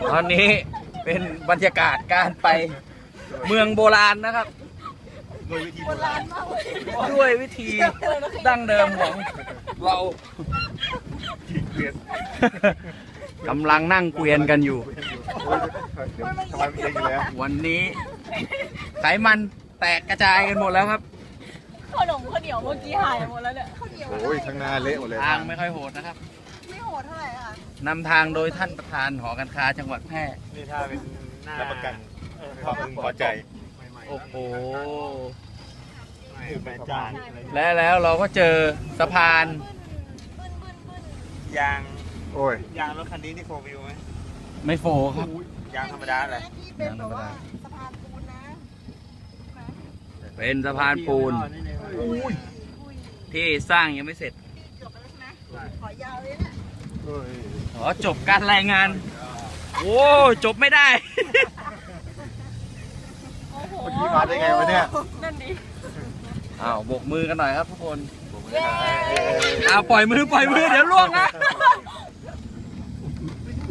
ตอนนี้เป็นบรรยากาศการไปเมืองโบราณนะครับด้วยวิธีดั้งเดิมของเรากำลังนั่งเกวียนกันอยู่ วันนี้ไขมันแตกกระจายกันหมดแล้วครับขนมข้าวเหนียวเมื่อกี้หายหมดแล้วเนี่ยข้าวเหนียวโอ้ยข้างหน้าเละหมดเลยทางไม่ค่อยโหดนะครับไม่โหดเท่าไหร่ค่ะนำทางโดยท่านประธานหอการค้าจังหวัดแพร่นี่ถ้าเป็นรับประกันความพึงพอใจโอ้โหแม่จานและแล้วเราก็เจอสะพานยางโอ้ยยางรถคันนี้นี่โฟวิวไหมไม่โฟครับยางธรรมดาเลยเป็นแบบว่าสะพานปูนนะเป็นสะพานปูนที่สร้างยังไม่เสร็จจบแล้วใช่ไหมขอยาวเลยนะขอจบการรายงานโอ้จบไม่ได้เมื่อกี้มาได้ไงวะเนี่ยนั่นดิอ้าวโบกมือกันหน่อยครับทุกคนอ้าวปล่อยมือเดี๋ยวล่วงนะ